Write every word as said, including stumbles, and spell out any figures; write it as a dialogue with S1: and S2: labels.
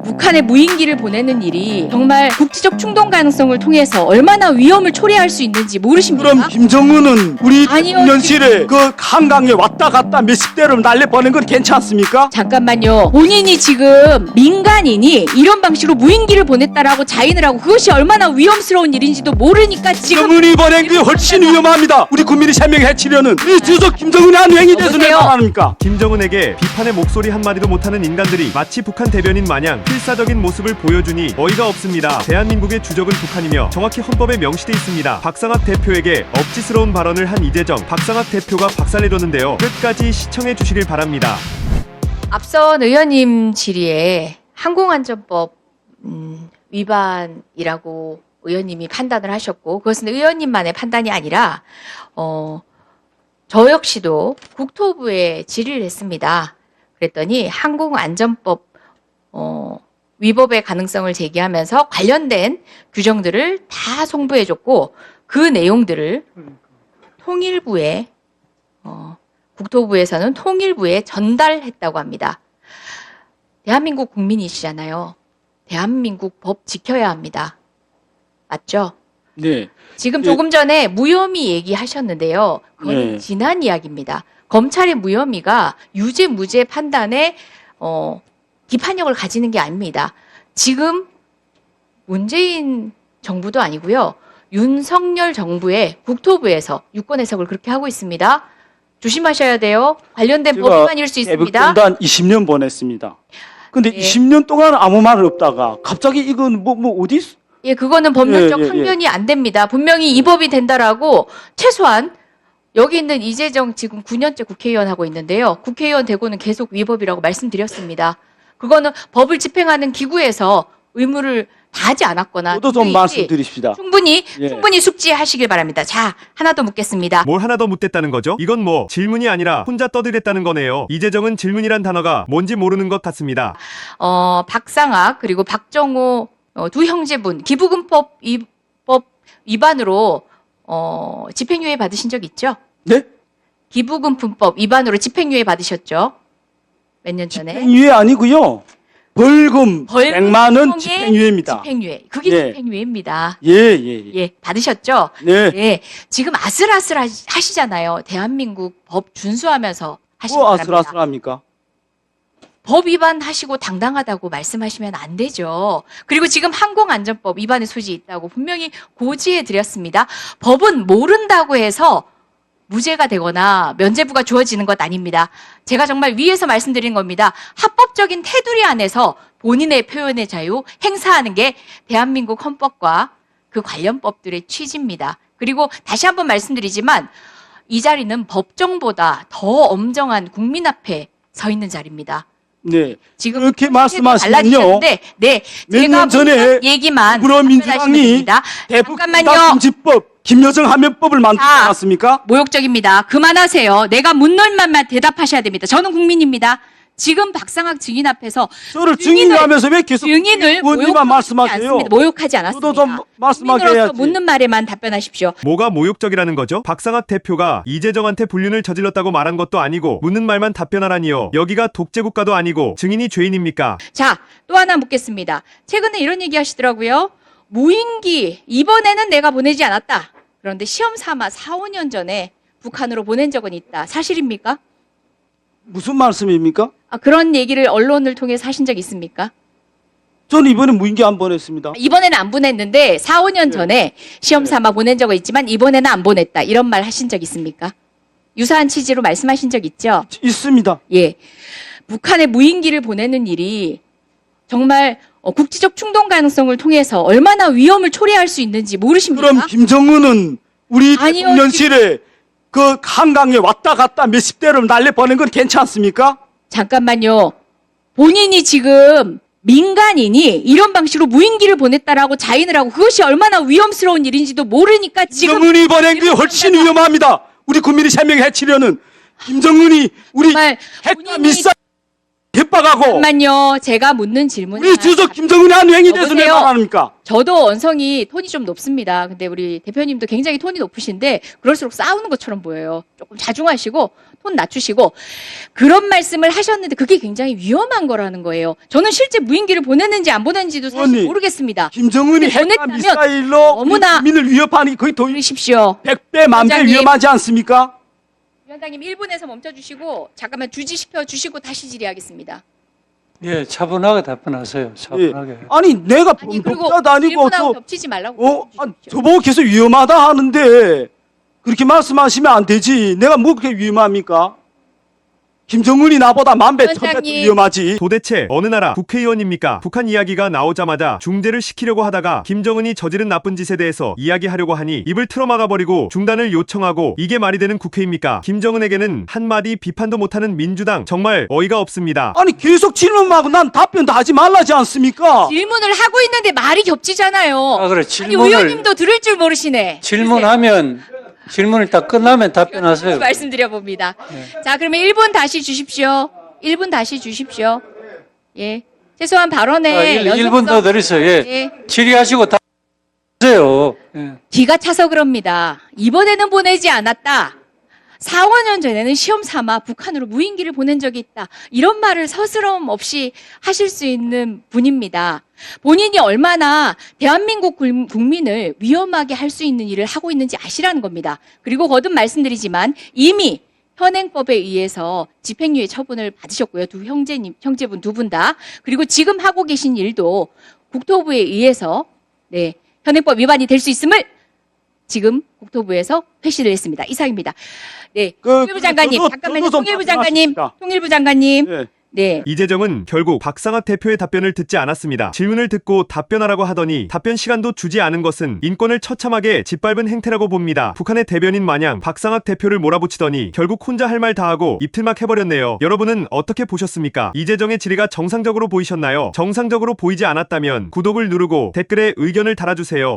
S1: 북한에 무인기를 보내는 일이 정말 국지적 충동 가능성을 통해서 얼마나 위험을 초래할 수 있는지 모르십니까?
S2: 그럼 김정은은 우리
S1: 아니요,
S2: 대통령실에 그 한강에 왔다 갔다 몇십 대를 날려보낸 건 괜찮습니까?
S1: 잠깐만요. 본인이 지금 민간인이 이런 방식으로 무인기를 보냈다라고 자인을 하고 그것이 얼마나 위험스러운 일인지도 모르니까 지금
S2: 김정은이 보낸 게 훨씬 위험합니다. 우리 국민이 생명 해치려는 이 주석 김정은의 한 행위 대해서
S1: 여보세요?
S2: 왜 말합니까?
S3: 김정은에게 비판의 목소리 한마디도 못하는 인간들이 마치 북한 대변인 마냥 필사적인 모습을 보여주니 어이가 없습니다. 대한민국의 주적은 북한이며 정확히 헌법에 명시돼 있습니다. 박상학 대표에게 억지스러운 발언을 한 이재정, 박상학 대표가 박살내줬는데요. 끝까지 시청해 주시길 바랍니다.
S1: 앞선 의원님 질의에 항공안전법 음, 위반이라고 의원님이 판단을 하셨고 그것은 의원님만의 판단이 아니라 어, 저 역시도 국토부에 질의를 했습니다. 그랬더니 항공안전법 어, 위법의 가능성을 제기하면서 관련된 규정들을 다 송부해줬고 그 내용들을 통일부에 어, 국토부에서는 통일부에 전달했다고 합니다. 대한민국 국민이시잖아요. 대한민국 법 지켜야 합니다. 맞죠?
S2: 네.
S1: 지금
S2: 예.
S1: 조금 전에 무혐의 얘기하셨는데요. 그건
S2: 네.
S1: 지난 이야기입니다. 검찰의 무혐의가 유죄 무죄 판단에 어, 기판력을 가지는 게 아닙니다. 지금 문재인 정부도 아니고요. 윤석열 정부의 국토부에서 유권 해석을 그렇게 하고 있습니다. 조심하셔야 돼요. 관련된 법 위반일 수 있습니다.
S2: 대북전단 이십 년 보냈습니다. 근데
S1: 예.
S2: 이십 년 동안 아무 말 없다가 갑자기 이건 뭐, 뭐 어디 있-
S1: 예, 그거는 법률적
S2: 예, 예, 예.
S1: 항변이 안 됩니다. 분명히 이 법이 된다라고 최소한 여기 있는 이재정 지금 구 년째 국회의원 하고 있는데요. 국회의원 되고는 계속 위법이라고 말씀드렸습니다. 그거는 법을 집행하는 기구에서 의무를 다하지 않았거나
S2: 저도 좀
S1: 도저히
S2: 말씀드립시다.
S1: 충분히
S2: 예.
S1: 충분히 숙지하시길 바랍니다. 자, 하나 더 묻겠습니다.
S3: 뭘 하나 더 묻댔다는 거죠? 이건 뭐 질문이 아니라 혼자 떠들었다는 거네요. 이재정은 질문이란 단어가 뭔지 모르는 것 같습니다.
S1: 어, 박상학 그리고 박정호 어, 두 형제분 기부금법 위법 위반으로 어, 집행유예 받으신 적 있죠?
S2: 네?
S1: 기부금품법 위반으로 집행유예 받으셨죠? 몇 년 전에.
S2: 집행유예 아니고요. 벌금
S1: 벌금
S2: 백만 원
S1: 통해
S2: 집행유예입니다.
S1: 집행유예. 그게
S2: 예.
S1: 집행유예입니다.
S2: 예, 예, 예.
S1: 예, 받으셨죠?
S2: 네.
S1: 네. 지금 아슬아슬 하시- 하시잖아요. 대한민국 법 준수하면서 하시기
S2: 뭐
S1: 바랍니다.
S2: 아슬아슬합니까?
S1: 법 위반하시고 당당하다고 말씀하시면 안 되죠. 그리고 지금 항공안전법 위반의 소지 있다고 분명히 고지해 드렸습니다. 법은 모른다고 해서 무죄가 되거나 면죄부가 주어지는 것 아닙니다. 제가 정말 위에서 말씀드린 겁니다. 합법적인 테두리 안에서 본인의 표현의 자유 행사하는 게 대한민국 헌법과 그 관련 법들의 취지입니다. 그리고 다시 한번 말씀드리지만 이 자리는 법정보다 더 엄정한 국민 앞에 서 있는 자리입니다.
S2: 네.
S1: 지금
S2: 그렇게
S1: 형태도
S2: 말씀하시면요.
S1: 달라지셨는데, 네,
S2: 몇
S1: 제가
S2: 년 전에
S1: 묻는 얘기만
S2: 더불어민주당이
S1: 답변하시면 됩니다. 잠깐만요.
S2: 대북금지법 김여정 하면법을 만들지
S1: 자.
S2: 않았습니까?
S1: 모욕적입니다. 그만하세요. 내가 묻는 말만 대답하셔야 됩니다. 저는 국민입니다. 지금 박상학 증인 앞에서
S2: 저를
S1: 증인을-
S2: 증인하면서 왜 계속
S1: 증인을
S2: 의원님만
S1: 모욕하지
S2: 말씀하세요?
S1: 않습니다. 모욕하지 않았습니다.
S2: 저도 좀 말씀하게
S1: 국민으로서
S2: 해야지.
S1: 묻는 말에만 답변하십시오.
S3: 뭐가 모욕적이라는 거죠? 박상학 대표가 이재정한테 불륜을 저질렀다고 말한 것도 아니고 묻는 말만 답변하라니요. 여기가 독재국가도 아니고 증인이 죄인입니까?
S1: 자, 또 하나 묻겠습니다. 최근에 이런 얘기 하시더라고요. 무인기, 이번에는 내가 보내지 않았다. 그런데 시험 삼아 사, 오 년 전에 북한으로 보낸 적은 있다. 사실입니까?
S2: 무슨 말씀입니까?
S1: 아, 그런 얘기를 언론을 통해서 하신 적 있습니까?
S2: 저는 이번에 무인기 안 보냈습니다.
S1: 이번에는 안 보냈는데 사, 오 년
S2: 네.
S1: 전에 시험 삼아 보낸 적은 있지만 이번에는 안 보냈다. 이런 말 하신 적 있습니까? 유사한 취지로 말씀하신 적 있죠?
S2: 있습니다.
S1: 예. 북한에 무인기를 보내는 일이 정말 어, 국지적 충동 가능성을 통해서 얼마나 위험을 초래할 수 있는지 모르십니까?
S2: 그럼 김정은은 우리
S1: 아니요,
S2: 대통령실에 그 한강에 왔다 갔다 몇십 대를 날려보낸 건 괜찮습니까?
S1: 잠깐만요. 본인이 지금 민간인이 이런 방식으로 무인기를 보냈다라고 자인을 하고 그것이 얼마나 위험스러운 일인지도 모르니까 지금
S2: 김정은이 보낸 게 훨씬
S1: 이런
S2: 위험합니다. 우리 국민이 생명 해치려는 김정은이 우리
S1: 정말
S2: 핵과
S1: 본인이
S2: 미사일 협박하고
S1: 잠깐만요. 제가 묻는 질문에
S2: 우리 주석 김정은이 한 행위 대해서 왜
S1: 여보세요?
S2: 말 안 합니까?
S1: 저도 언성이 톤이 좀 높습니다. 근데 우리 대표님도 굉장히 톤이 높으신데 그럴수록 싸우는 것처럼 보여요. 조금 자중하시고 톤 낮추시고 그런 말씀을 하셨는데 그게 굉장히 위험한 거라는 거예요. 저는 실제 무인기를 보냈는지 안 보냈는지도 사실
S2: 의원님,
S1: 모르겠습니다.
S2: 김정은이 핵과
S1: 보냈다면
S2: 미사일로
S1: 너무나-
S2: 국민을 위협하니 거의 더
S1: 들으십시오.
S2: 백 배, 만 배
S1: 위원장님.
S2: 위험하지 않습니까?
S1: 위원장님 일 분에서 멈춰주시고 잠깐만 주지시켜 주시고 다시 질의하겠습니다.
S4: 예, 차분하게 답변하세요.
S2: 예.
S4: 차분하게.
S2: 아니 내가
S1: 아니 그리고
S2: 범법자도 아니고
S1: 질문하고
S2: 저,
S1: 겹치지 말라고.
S2: 어, 아,
S1: 주십시오.
S2: 저보고 계속 위험하다 하는데 그렇게 말씀하시면 안 되지. 내가 뭐 그렇게 위험합니까? 김정은이 나보다 만 배, 천 배
S1: 위원장님.
S2: 위험하지.
S3: 도대체 어느 나라 국회의원입니까? 북한 이야기가 나오자마자 중재를 시키려고 하다가 김정은이 저지른 나쁜 짓에 대해서 이야기하려고 하니 입을 틀어막아버리고 중단을 요청하고 이게 말이 되는 국회입니까? 김정은에게는 한마디 비판도 못하는 민주당 정말 어이가 없습니다.
S2: 아니 계속 질문하고 난 답변도 하지 말라지 않습니까?
S1: 질문을 하고 있는데 말이 겹치잖아요.
S4: 아, 그래.
S1: 아니
S4: 질문을,
S1: 의원님도 들을 줄 모르시네.
S4: 질문하면, 질문을 딱 끝나면 답변하세요.
S1: 말씀드려 봅니다. 자, 그러면 일 분 다시 주십시오. 일 분 다시 주십시오. 예. 최소한 발언에
S4: 아, 일,
S1: 연속성-
S4: 일 분 더 드리세요. 예.
S1: 예.
S4: 질의하시고 답하세요. 예.
S1: 기가 차서 그럽니다. 이번에는 보내지 않았다. 사, 오 년 전에는 시험 삼아 북한으로 무인기를 보낸 적이 있다. 이런 말을 서스럼 없이 하실 수 있는 분입니다. 본인이 얼마나 대한민국 굴- 국민을 위험하게 할 수 있는 일을 하고 있는지 아시라는 겁니다. 그리고 거듭 말씀드리지만 이미 현행법에 의해서 집행유예 처분을 받으셨고요. 두 형제님, 형제분 두 분 다. 그리고 지금 하고 계신 일도 국토부에 의해서 네, 현행법 위반이 될 수 있음을 지금 국토부에서 회시를 했습니다. 이상입니다. 네,
S2: 그,
S1: 통일부
S2: 그,
S1: 장관님,
S2: 저도-
S1: 잠깐만요.
S2: 저도 좀
S1: 통일부 장관님,
S2: 답변하십시다.
S1: 통일부 장관님,
S2: 예.
S1: 네.
S3: 이재정은 결국 박상학 대표의 답변을 듣지 않았습니다. 질문을 듣고 답변하라고 하더니 답변 시간도 주지 않은 것은 인권을 처참하게 짓밟은 행태라고 봅니다. 북한의 대변인 마냥 박상학 대표를 몰아붙이더니 결국 혼자 할 말 다 하고 입틀막 해버렸네요. 여러분은 어떻게 보셨습니까? 이재정의 질의가 정상적으로 보이셨나요? 정상적으로 보이지 않았다면 구독을 누르고 댓글에 의견을 달아주세요.